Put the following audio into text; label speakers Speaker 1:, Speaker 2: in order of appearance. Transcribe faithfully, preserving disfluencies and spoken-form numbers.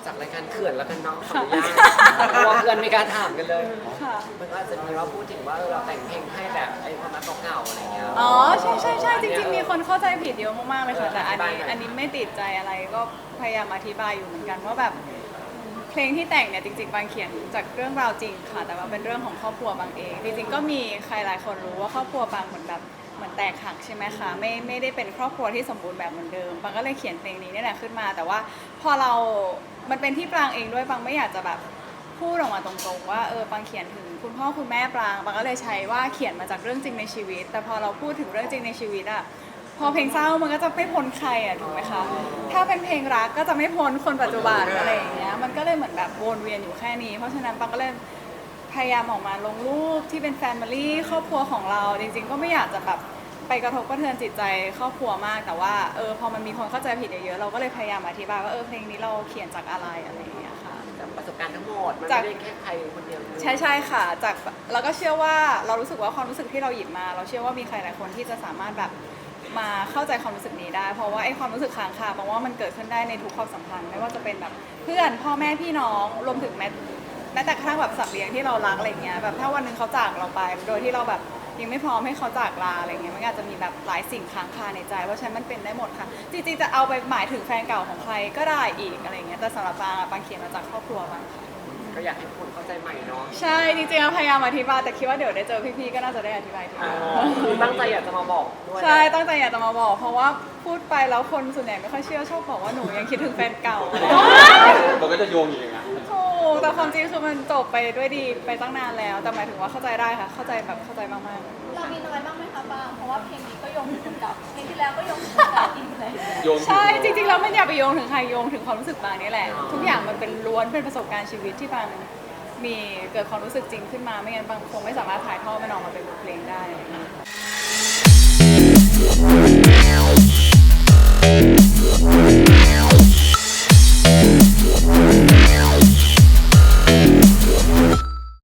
Speaker 1: จากรายการเขื่อนแล้วกันเนาะขออนุญาตเพราะว่าเพื่อนไม่กล้าถามกันเลยมันก็อาจจะมีว่าพูดถึงว่าเราแต่งเพลงให้แบบไอ้ความรักเก่าๆอะไรเงี้ย
Speaker 2: อ๋อใช่ใช่ใช่จริงๆมีคนเข้าใจผิดเยอะมากๆเลยค่ะแต่อันนี้อันนี้ไม่ติดใจอะไรก็พยายามอธิบายอยู่เหมือนกันว่าแบบเพลงที่แต่งเนี่ยจริงๆบางเขียนจากเรื่องราวจริงค่ะแต่ว่าเป็นเรื่องของครอบครัวบางเองจริงๆก็มีใครหลายคนรู้ว่าครอบครัวบางเหมือนแบบเหมือนแตกหักใช่ไหมคะไม่ไม่ได้เป็นครอบครัวที่สมบูรณ์แบบเหมือนเดิมบางก็เลยเขียนเพลงนี้นี่แหละขึ้นมาแต่ว่าพอเรามันเป็นที่ปรางเองด้วยบางไม่อยากจะแบบพูดออกมาตรงๆว่าเออบางเขียนถึงคุณพ่อคุณแม่ปรางบางก็เลยใช้ว่าเขียนมาจากเรื่องจริงในชีวิตแต่พอเราพูดถึงเรื่องจริงในชีวิตอะพอเพลงเศร้ามันก็จะไม่พ้นใครอะถูกไหมคะถ้าเป็นเพลงรักก็จะไม่พ้นคนปัจจุบันอะไรอย่างเงี้ยมันก็เลยเหมือนแบบวนเวียนอยู่แค่นี้เพราะฉะนั้นปางก็เลยพยายามออกมาลงรูปที่เป็นแฟมิลี่ครอบครัวของเราจริงๆก็ไม่อยากจะแบบไปกระทบกระเทือนจิตใจครอบครัวมากแต่ว่าเออพอมันมีคนเข้าใจผิดเยอะๆเราก็เลยพยายามอธิบายว่าเออเพลงนี้เราเขียนจากอะไรอะไรอย่างเงี้ยค่ะ
Speaker 1: จากประสบการณ์ทั้งหมดมันไม่ได้แค่ใครคนเดียว
Speaker 2: ใช่ใช่ค่ะจากเราก็เชื่อว่าเรารู้สึกว่าความรู้สึกที่เราหยิบมา เราเชื่อว่ามีใครหลายคนที่จะสามารถแบบมาเข้าใจความรู้สึกนี้ได้เพราะว่าไอ้ความรู้สึกค้างคาเพราะว่ามันเกิดขึ้นได้ในทุกความสัมพันธ์ไม่ว่าจะเป็นแบบเพื่อนพ่อแม่พี่น้องรวมถึงแม้แม้แต่กระทั่งแบบสัตว์เลี้ยงที่เรารักอะไรเงี้ยแบบถ้าวันหนึ่งเขาจากเราไปโดยที่เราแบบยังไม่พร้อมให้เขาจากลาอะไรเงี้ยมันอาจจะมีแบบหลายสิ่งค้างคาในใจเพราะฉะนั้นมันเป็นได้หมดค่ะจริงๆจะเอาไปหมายถึงแฟนเก่าของใครก็ได้อีกอะไรเงี้ยแต่สำหรับปางปางเขียนมาจากครอบครัวบางค่ะ
Speaker 1: ก็อยากให้คนเข้าใจใหม่เนาะ
Speaker 2: ใช่จริงๆพยายามอธิบายแต่คิดว่าเดี๋ยวได้เจอพี่ๆก็น่าจะได้อธิบายที
Speaker 1: คือตั้งใจอยากจะมาบอกด้วย
Speaker 2: ใช่ตั้งใจอยากจะมาบอกเพราะว่าพูดไปแล้วคนส่วนใหญ่ไม่ค่อยเชื่อชอบบอกว่าหนูยังคิดถึงแฟนเก่า
Speaker 3: มันก็จะโยงอย่างเงี้ย
Speaker 2: ถูกแต่ความจริงคือมันจบไปด้วยดีไปตั้งนานแล้วแต่หมายถึงว่าเข้าใจได้ค่ะเข้าใจแบบเข้าใจมากๆ
Speaker 4: เรามีน้อยบ้างไหมคะบางเพราะว่าเพลงนี้ก็โยงถึงคนเก่าเพลงที่แล้วก็โยงถึงคนเก่าอีกเลย
Speaker 2: ใช่จริงๆเราไม่อยากไปโยงถึงใครโยงถึงความรู้สึกบางนี่แหละทุกอย่างมันเป็นล้วนเป็นประสบการณ์ชีวิตที่บางมีเกิดความรู้สึกจริงขึ้นมาไม่งั้นบางคงไม่สามารถถ่ายทอดมันออกมาเป็นเพลงได้